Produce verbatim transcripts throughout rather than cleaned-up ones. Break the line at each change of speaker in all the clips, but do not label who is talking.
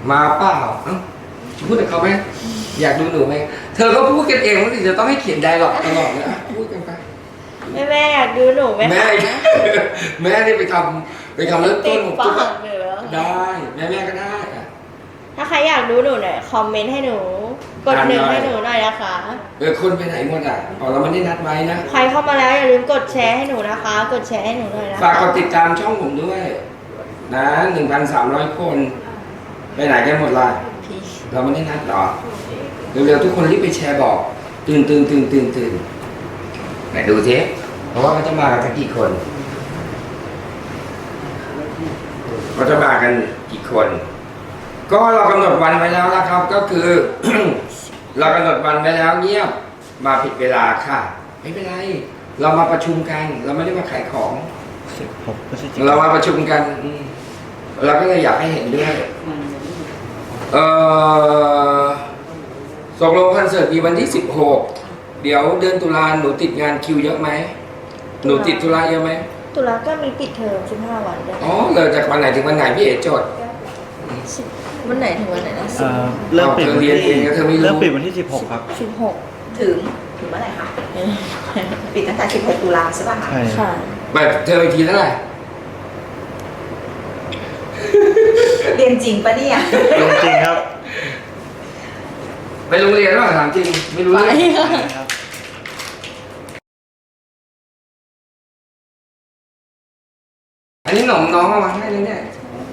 มาเปล่าเอ้าพูดกับเขาไหมอยากดูหนูไหมเธอก็พูดกันเองว่าจะต้องให้เขียนไดร็อกตลอดนะพูดกันไป
แม่แม่อยากดูหนูไหม
แม่แม่นี่ไปทำไปทำเริ่มต้นของตัวได้แม่แม่ก็ได้
ถ้าใครอยากดูหนูหน่อยคอมเมนต์ให้หนูกดหนึ่งให้หนูหน่อยนะคะ
เออคนไปไหนหมดอ่ะอ๋อเราไม่ได้นัดไว้นะ
ใครเข้ามาแล้วอย่าลืมกดแชร์ให้หนูนะคะ กดแชร์ให้หนูหน่อยนะคะ
ฝากกดติดตามช่องผมด้วยนะหนึ่งพันสามร้อยคนไปไหนกันหมดล่ะเราไม่ได้นัดหรอเร็วๆทุกคนรีบไปแชร์บอกตื่นตื่นตื่นตื่นตื่นไหนดูสิเพราะว่าเขาจะมากันกี่คนเขาจะมากันกี่คนก็เรากำหนดวันไว้แล้วนะครับก็คือ เรากำหนดวันไว้แล้วเงียบมาผิดเวลาค่ะไม่เป็นไรเรามาประชุมกันเราไม่ได้มาขายของเรามาประชุมกันเราก็เลยอยากให้เห็นด้วยเออตกลงคอนเสิร์ตมีวันที่สิบหกเดี๋ยวเดือนตุลาหนูติดงานคิวเยอะไหมหนูติดธุระเยอะไหม
ตุลาก็มีปิดเทอมสิบห้าวันด้วย
อ๋อเลยจากวันไหนถึงวันไหนพี่เอ๋จด
วันไหนถึงวันไหนนะ
เริ่มปิดวันที่เริ่มปิดวันที่สิบหกครับ
สิบหก
ถึงถึงเมื่อไหร่คะปิดตั้งแต่สิบหกตุลาใช่ป่ะคะ
ใช่
แบบเธอไปทีเท่าไหร่
เรียนจริงปะเนี่ย
ลงจริงครับ
ไปโรงเรียนหรือเปล่าถามจริงไม่รู้เลยอันนี้หนมน้องเอามาให้เลยเนี่ย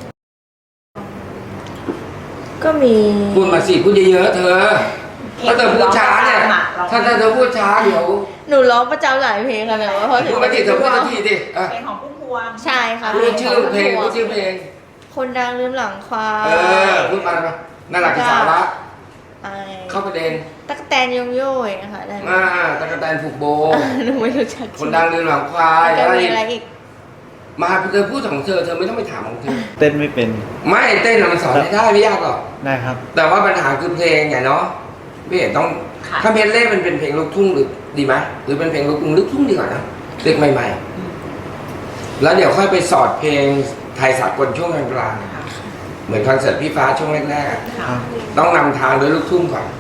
ก็มี
พูดมาสิพูดเยอะๆเธอถ้าเธอพูดช้าเนี่ยถ้าเธอพูดช้าเดี๋ยว
หนูร้องประจำหลายเพลงค่ะแต่ว่าพอถึง
พูดมาสิเธอพูดมาทีดิ
เพลงของพุ่มพวง
ใช่ค่ะ
พูดชื่อเพลงพูดชื่อเพลง
คนดังลืมหลังควาย
เออพูดมาเลยน่ารักที่สาระเข้าประเด็น
ตั๊กแตนยมโย่นะคะได้
อ่าตั๊กแตนผูกโบ
หนูไม่รู้จัก
คนดังลืมหลังควาย
อะไรอีก
มาเธอพูดของเธอเธอไม่ต้องไปถามของเธอ
เต้นไม่เป็น
ไม่เต้นมันสอนได้ไม่ยากหรอก
ได้ครับ
แต่ว่าปัญหาคือเพลงไงเนาะพี่เห็นต้องถ้าเพลงเล่มันเป็นเพลงลูกทุ่งหรือดีไหมหรือเป็นเพลงลูกทุ่งลูกทุ่งดีกว่านะเด็กใหม่ๆแล้วเดี๋ยวค่อยไปสอดเพลงไทยสากลช่วงกลางๆเหมือนคอนเสิร์ตพี่ฟ้าช่วงแรกๆต้องนำทางโดยลูกทุ่งก่อน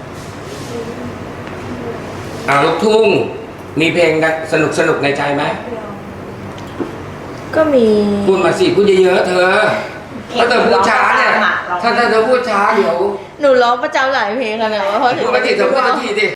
อ่าลูกทุ่งมีเพลงสนุกสนุกในใจไหม
ก็มี
พูดมาสิพูดเยอะๆเธอถ้าเธอพูดช้าเนี่ยถ้าเธอพูดช้าเดี๋ยว
หนูร้องประจำหลายเพลงค่ะแต่ว่าพอถึง
พูดมาสิเธอพูดมาทีดิ